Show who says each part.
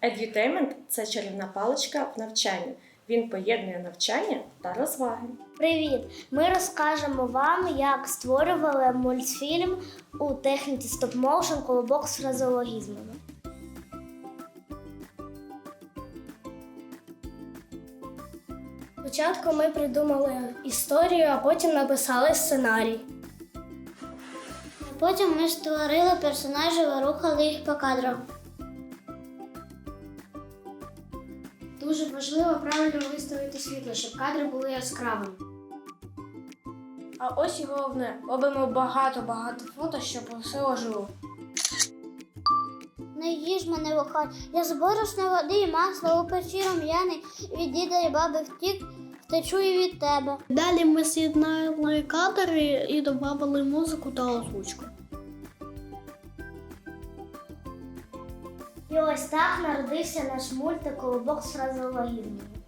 Speaker 1: Edutainment – це чарівна паличка в навчанні. Він поєднує навчання та розваги.
Speaker 2: Привіт! Ми розкажемо вам, як створювали мультфільм у техніці стоп-моушен «Колобок з фразеологізмами». Спочатку ми придумали історію, а потім написали сценарій. Потім ми створили персонажів і рухали їх по кадрах. Дуже важливо правильно виставити світло, щоб кадри були яскравими. А ось і головне, робимо багато фото, щоб все ожило.
Speaker 3: Не їж мене вухать, я з борошна води і масла у печі рум'яний, від діда і баби втік, втечу і від тебе.
Speaker 2: Далі ми з'єднали кадри і додали музику та озвучку. І ось так народився наш мультик «Колобок з фразеологізмами».